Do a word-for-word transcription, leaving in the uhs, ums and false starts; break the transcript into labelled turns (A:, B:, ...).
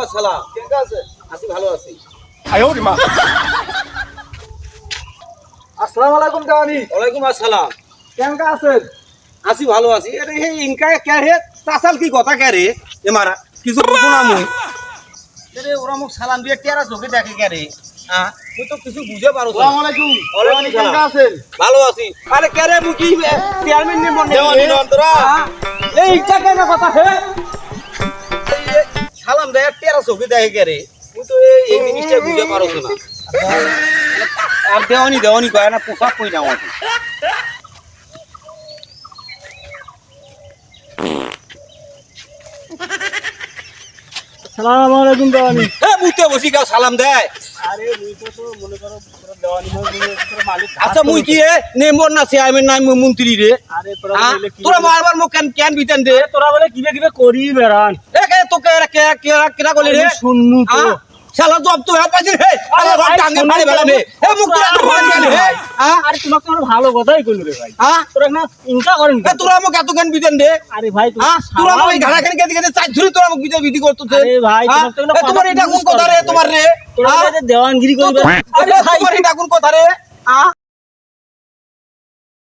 A: আসসালাম।
B: কেমন আছে?
A: আছি ভালো আছি।
B: আসসালামু আলাইকুম দেওয়ানি।
A: ওয়ালাইকুম আসসালাম।
B: কেমন আছেন?
A: আছি ভালো আছি। আরে হে ইনকা কে রে তাসাল কি কথা কে রে এ মারা কিছু বুঝো না মুই। আরে ওরা মুখ সালাম দিয়ে টেরা চোখে দেখে কে রে হ্যাঁ তুই তো কিছু বুঝে পারো না।
B: আসসালামু আলাইকুম।
A: ওয়ালাইকুম
B: দেওয়ানি কেমন
A: সালাম।
B: আছেন?
A: ভালো আছি। আরে কে রে মুই কি চেয়ারম্যান নে মনে
B: দেওয়ানি নন্দরা।
A: এই ইনকা কেন কথা হে এই সালাম দেয় টেরা চোখে দেখে কে রে তুই তো এই এই জিনিসটা বুঝে পারো না। আর দেওয়ানি দেওয়ানি কয় না পোশাক কই না আমাকে।
B: আসসালামু আলাইকুম দেওয়ানি।
A: এ মুতে বসি গাও সালাম দেয়।
B: আরে মুই তো তো মনে করো পুরো দেওয়ানি মনে করো মালিক।
A: আচ্ছা মুই কি এ নেমর না চেয়ারম্যান নাই মুই মন্ত্রী রে
B: আরে তোরা
A: হ্যাঁ?
B: বলে কি?
A: তোরা বারবার মুখ কেন কেন বিতেন দে
B: তোরা বলে কিবে কিবে করি বেড়ান।
A: এ কে তোকে এরা কে কে কেনা কলি রে
B: শুননু তো।
A: হ্যাঁ? শালা জব তো হ্যাঁ পাইছিস হে আরে
B: ভাই,
A: ভাই টাঙ্গে
B: শুনুন
A: মারি
B: তো।
A: বেলা নে এ মুখ তোরা তো মারি গেলি হে হ্যাঁ
B: আরে তোমাকে আমরা ভালো কথাই কইলু রে ভাই।
A: হ্যাঁ
B: তোরা না ইনকা করেন
A: এ তোরা মুখ এত কেন বিতেন দে
B: আরে ভাই তুমি
A: হ্যাঁ তোরা মুখ এই ঘাড়া খানি কেটে কেটে চাই ধরে তোরা মুখ বিতে বিধি করতেছে
B: আরে ভাই,
A: হ্যাঁ?
B: তোমার তো এগুলো
A: এ তোমার
B: কথা
A: এটা কোন
B: বুঝতে
A: কথা রে
B: হবে।
A: তোমার রে
B: তোরা
A: হ্যাঁ?
B: যে দেওয়ানগিরি করবে
A: আরে তোমার এটা কোন কথা রে হ্যাঁ